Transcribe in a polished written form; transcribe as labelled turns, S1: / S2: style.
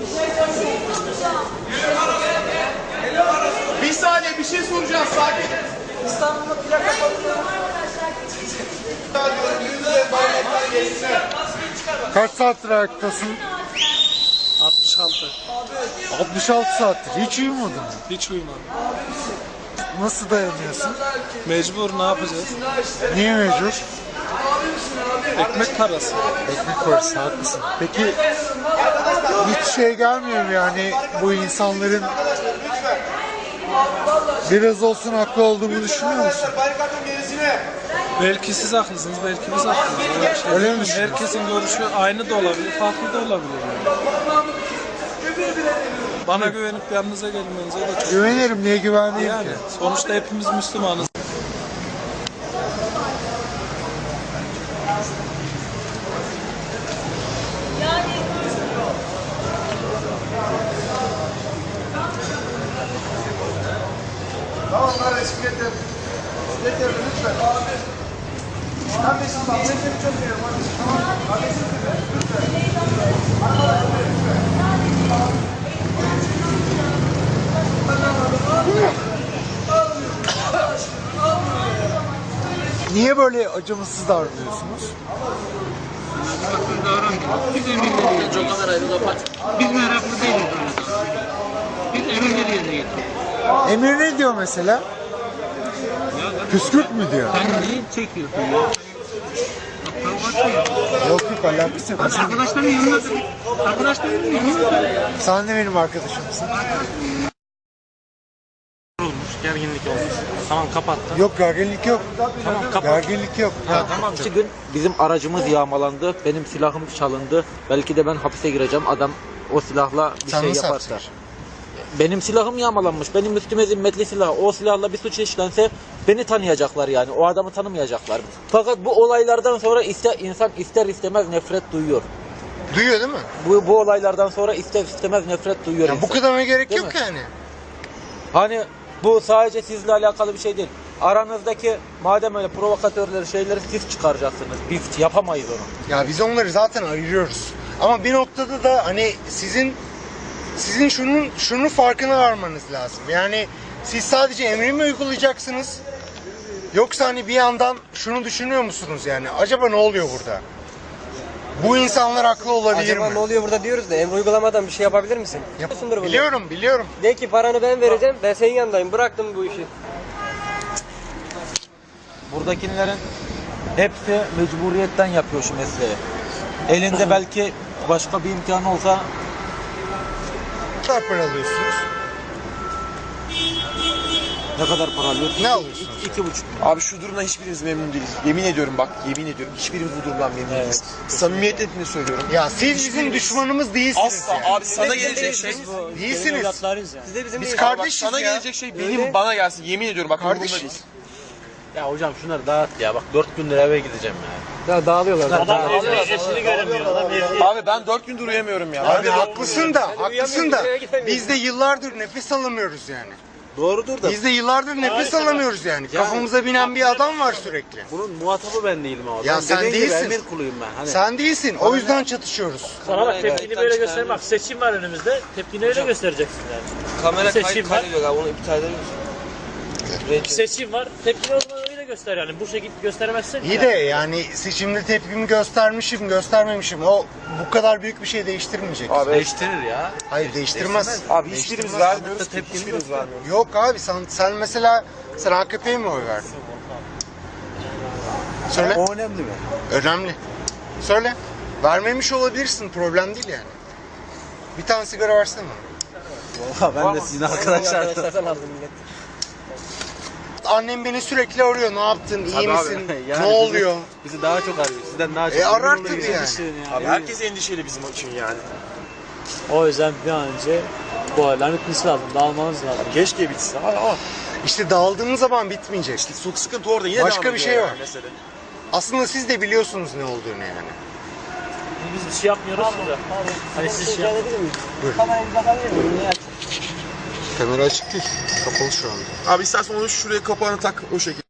S1: Bir saniye bir şey soracağız, sakin. İstanbul'da plaka patladı.
S2: Kaç saattir ayaktasın?
S3: 66.
S2: 66 saattir. Hiç uyumadın mı?
S3: Hiç uyumadım.
S2: Nasıl dayanıyorsun?
S3: Mecbur, ne yapacağız?
S2: Niye mecbur?
S3: Ekmek parası.
S2: Ekmek parası, haklısın. Peki hiç şey gelmiyor mu yani bu insanların biraz olsun haklı olduğunu düşünüyor musun?
S3: Belki siz haklısınız, belki biz haklıyız.
S2: Öyle mi düşünüyorsun?
S3: Herkesin görüşü aynı da olabilir, farklı da olabilir. Yani. Bana güvenip yanınıza gelmenize de çok...
S2: Güvenirim, niye güvenmeyeyim
S3: Yani
S2: ki?
S3: sonuçta hepimiz Müslümanız.
S1: Tamam kardeşim getir. Getir lütfen. Kardeşim bak ben seni çok seviyorum kardeşim. Tamam. Kardeşim lütfen.
S2: Niye böyle acımasız davranıyorsunuz?
S4: Biz emirleri çok kadar ayrı kapat. Biz meraklı değiliz. Biz emirleri yerine getirdik.
S2: Emir ne diyor mesela? Püskürt mü diyor?
S4: Sen neyi çekiyorsun ya?
S2: Yok yok, alakası yok.
S4: Arkadaşların yanına Arkadaşların yanına
S2: Sen de benim arkadaşımsın.
S4: olmuş, gerginlik olmuş. Tamam kapattım.
S2: Yok, gerginlik yok.
S4: Tamam kapat.
S2: Gerginlik yok. Ha, tamam.
S5: 2 gün bizim aracımız yağmalandı. Benim silahım çalındı. Belki de ben hapise gireceğim. Adam o silahla bir
S2: Sen
S5: şey
S2: nasıl
S5: yaparsa.
S2: hapse?
S5: Benim silahım yağmalanmış. Benim üstüme zimmetli silah. O silahla bir suç işlense beni tanıyacaklar yani. O adamı tanımayacaklar. Fakat bu olaylardan sonra insan ister istemez nefret duyuyor.
S2: Duyuyor değil mi?
S5: Bu olaylardan sonra ister istemez nefret duyuyor
S2: Ya
S5: insan.
S2: bu kadarına gerek
S5: Değil
S2: yok
S5: mi?
S2: yani.
S5: Hani bu sadece sizle alakalı bir şey değil. Aranızdaki madem öyle provokatörleri şeyleri siz çıkaracaksınız. Biz yapamayız onu.
S2: Ya biz onları zaten ayırıyoruz. Ama bir noktada da hani sizin şunun farkına varmanız lazım. Yani siz sadece emri mi uygulayacaksınız? Yoksa hani bir yandan şunu düşünüyor musunuz yani? Acaba ne oluyor burada? Bu insanlar haklı olabilir
S6: Acaba
S2: mi?
S6: ne oluyor burada diyoruz da emri uygulamadan bir şey yapabilir misin? Yapıyorsundur bunu.
S2: Biliyorum.
S6: De ki paranı ben vereceğim, ben senin yanındayım, bıraktım bu işi.
S5: Buradakilerin hepsi mecburiyetten yapıyor şu mesleği. Elinde belki başka bir imkan olsa
S2: Ne kadar para alıyorsunuz?
S5: ne kadar para alıyorsun?
S2: Ne alıyorsunuz?
S5: 2,5.
S7: Abi şu durumdan hiçbirimiz memnun değiliz. Yemin ediyorum bak, yemin ediyorum. Hiçbirimiz bu durumdan memnun değiliz. Samimiyetle söylüyorum.
S2: Ya siz bizim düşmanımız değilsiniz.
S7: Asla
S2: yani.
S7: abi sana gelecek şey,
S2: Değilsiniz.
S6: Siz de bizim
S2: Biz
S6: değil.
S2: kardeşiz
S7: sana
S2: ya.
S7: gelecek şey benim bana gelsin. Yemin ediyorum bak umurumda
S2: Kardeşiz.
S7: değil.
S5: Ya hocam şunları dağıt ya. Bak 4 gündür eve gideceğim ya.
S6: Ya dağılıyorlar.
S7: Abi ben 4 gündür uyuyamıyorum ya.
S2: Abi haklısın da, haklısın da.
S6: eve gidemiyoruz.
S2: Biz de yıllardır nefes alamıyoruz yani.
S5: Doğrudur da
S2: Biz de yıllardır nefes alamıyoruz yani. Kafamıza binen bir adam var sürekli.
S5: bunun muhatabı ben değilim abi.
S2: Ya
S5: Ben
S2: sen
S5: dediğin gibi
S2: değilsin.
S5: emir kuluyum ben. Hani
S2: Sen değilsin. O yüzden çatışıyoruz.
S8: Sana bak tepkini böyle göster. Bak seçim var önümüzde. Tepkini öyle göstereceksin yani.
S7: Kamera
S8: Seçim var.
S7: kaydediyor abi, onu iptal edebilir misin?
S8: Seçim var. Tepkini o zaman öyle göster yani. Bu şekilde gösteremezsin.
S2: İyi de yani seçimde tepkimi göstermişim, göstermemişim. O bu kadar büyük bir şey değiştirmeyecek.
S7: Abi
S5: değiştirir ya.
S2: Hayır değiştirmez.
S7: Abi hiçbirimiz vermiyoruz ki. Hiçbirimiz vermiyoruz.
S2: Yok abi sen mesela AKP'ye mi oy verdin? Söyle.
S5: O önemli mi?
S2: Önemli. Söyle. Vermemiş olabilirsin. Problem değil yani. Bir tane sigara versene bana.
S5: Valla ben de sizin arkadaşlar.
S6: Arkadaşlardan aldım millet.
S2: Annem beni sürekli arıyor. Ne yaptın? İyi
S7: Tabii abi.
S2: misin?
S5: Yani
S2: Ne oluyor?
S5: Bizi daha çok arıyor. Sizden daha çok.
S2: Arar
S5: Emin
S2: tabii
S5: olun
S2: yani.
S5: bizim için
S7: Abi herkes endişeli bizim için yani.
S8: O yüzden bir an önce bu olayların bitmesi lazım. Dağılmanız lazım.
S7: Keşke bitsin ama
S2: İşte dağıldığımız zaman bitmeyecek.
S7: işte çok sıkıntı orada yine
S2: Başka
S7: devam
S2: bir
S7: ediyor
S2: şey
S7: yani
S2: var.
S7: mesele.
S2: Aslında siz de biliyorsunuz ne olduğunu yani.
S8: Biz bir şey yapmıyoruz da. Hani siz şey
S6: Kamerayı bir bakabilir miyim? Niye?
S2: Kamera açık değil. Kapalı şu anda.
S7: Abi istersen onu şuraya kapağını tak o şekilde.